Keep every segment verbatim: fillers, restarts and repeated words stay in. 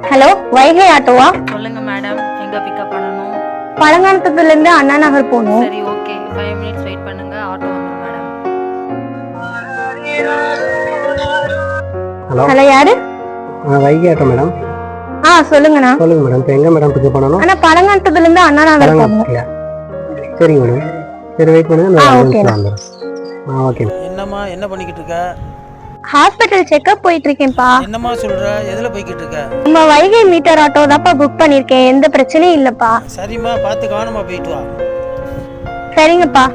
Hello, Vaigai ஆட்டோவா? சொல்லுங்க madam, எங்க pickup பண்ணனும்? பழங்கானத்துல இருந்து அண்ணா நகர் போகணும். சரி, ஓகே. five minutes வெயிட் பண்ணுங்க, ஆட்டோ வந்துரும் மேடம். ஹலோ. ஹலோ, யாரு? Vaigai auto madam. ஆ, சொல்லுங்கண்ணா. சொல்லுங்க மேடம், இப்போ எங்க மேடம் பிக்கப் பண்ணனும்? அண்ணா, பழங்கானத்துல இருந்து அண்ணா நகர் போகணும். சரிங்க மேடம், சரி வெயிட் பண்ணுங்க, நான் வந்துடுறேன். ஆ, ஓகே. என்னம்மா, என்ன பண்ணிக்கிட்டு இருக்க? ஹாஸ்பிட்டல் செக்அப் போயிட்டு இருக்கேன்ப்பா. என்னம்மா சொல்ற? எதுல போய்கிட்டு இருக்க? நம்ம வைகை மீட்டர் ஆட்டோ தான்ப்பா புக் பண்ணிருக்கேன், எந்த பிரச்சனையும் இல்லப்பா. சரிம்மா, பார்த்து கவனமா போயிட்டு வா. சரிங்கப்பா.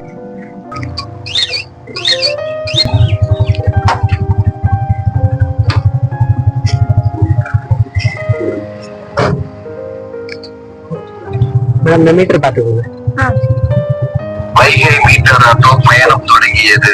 மேடம், இந்த மீட்டர் பார்த்துக்கோங்க. ஆ. வைகை மீட்டர் ஆட்டோ பயணம் தொடங்கியது.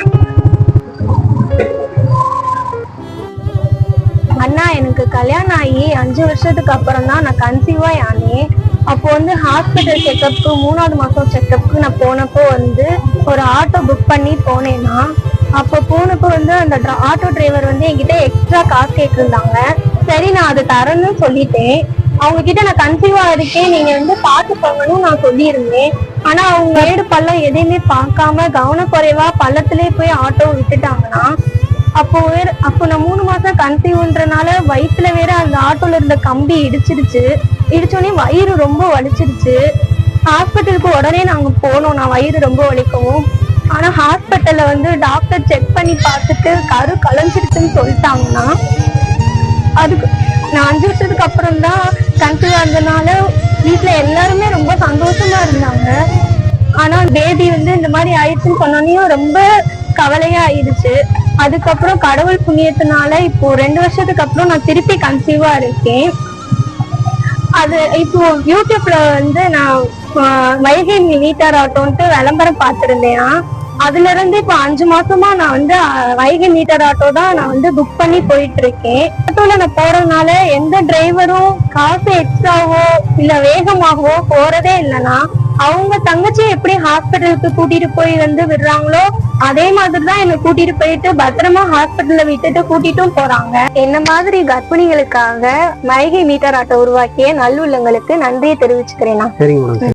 அண்ணா, எனக்கு கல்யாணம் ஆகி அஞ்சு வருஷத்துக்கு அப்புறம் தான் நான் கன்சீவா ஆனேன். அப்போ வந்து ஹாஸ்பிட்டல் செக்அப்க்கு மூணாவது மாசம் செக்அப்க்கு நான் போனப்போ வந்து ஒரு ஆட்டோ புக் பண்ணி போனேன்னா, அப்போ போனப்போ வந்து அந்த ஆட்டோ டிரைவர் வந்து என்கிட்ட எக்ஸ்ட்ரா காசு கேட்டிருந்தாங்க. சரி, நான் அது தரேன்னு சொல்லிட்டேன். அவங்க கிட்ட நான் கன்சீவா இருக்கேன், நீங்க வந்து பார்த்து போங்கன்னு நான் சொல்லியிருந்தேன். ஆனா அவங்க ஏடு பள்ளம் எதையுமே பார்க்காம கவனக்குறைவா பள்ளத்திலே போய் ஆட்டோ விட்டுட்டாங்கன்னா, அப்போ வேற அப்போ நான் மூணு மாசம் கன்சீவ்ன்றனால வயிற்றுல வேற அந்த ஆட்டோல இருந்த கம்பி இடிச்சிருச்சு. இடிச்சோடனே வயிறு ரொம்ப வலிச்சிருச்சு. ஹாஸ்பிட்டலுக்கு உடனே நாங்க போனோம், நான் வயிறு ரொம்ப வலிக்கவும். ஆனா ஹாஸ்பிட்டல்ல வந்து டாக்டர் செக் பண்ணி பார்த்துட்டு கரு கலைஞ்சிருச்சுன்னு சொல்லிட்டாங்கன்னா, அதுக்கு நான் அஞ்சு வருஷத்துக்கு அப்புறம் தான் கன்சீவா இருந்தனால வீட்டுல எல்லாருமே ரொம்ப சந்தோஷமா இருந்தாங்க. ஆனா பேபி வந்து இந்த மாதிரி ஆயிடுச்சுன்னு சொன்னோன்னையும் ரொம்ப கவலையா ஆயிடுச்சு. அதுக்கப்புறம் கடவுள் புண்ணியத்தினால இப்போ ரெண்டு வருஷத்துக்கு அப்புறம் நான் திருப்பி கன்சீவா இருக்கேன். அது இப்போ யூடியூப்ல வந்து நான் வைகை மீட்டர் ஆட்டோன்ட்டு விளம்பரம் பார்த்திருந்தேன். அதுல இருந்து இப்போ அஞ்சு மாசமா நான் வந்து வைகை மீட்டர் ஆட்டோ தான் நான் வந்து புக் பண்ணி போயிட்டு இருக்கேன். ஆட்டோல நான் போறதுனால எந்த டிரைவரும் காசு எக்ஸ்ட்ராவோ இல்ல வேகமாகவோ போறதே இல்லைன்னா, அவங்க தங்கச்சி எப்படி ஹாஸ்பிட்டலுக்கு கூட்டிட்டு போய் வந்து விடுறாங்களோ அதே மாதிரிதான் என்னை கூட்டிட்டு போயிட்டு பத்திரமா ஹாஸ்பிட்டல்ல விட்டுட்டு கூட்டிட்டும் போறாங்க. என்ன மாதிரி கர்ப்பிணிகளுக்காக வைகை மீட்டர் ஆட்டோ உருவாக்கிய நல்லுள்ளங்களுக்கு நன்றியை தெரிவிச்சுக்கிறேன். சரிங்க மேடம்.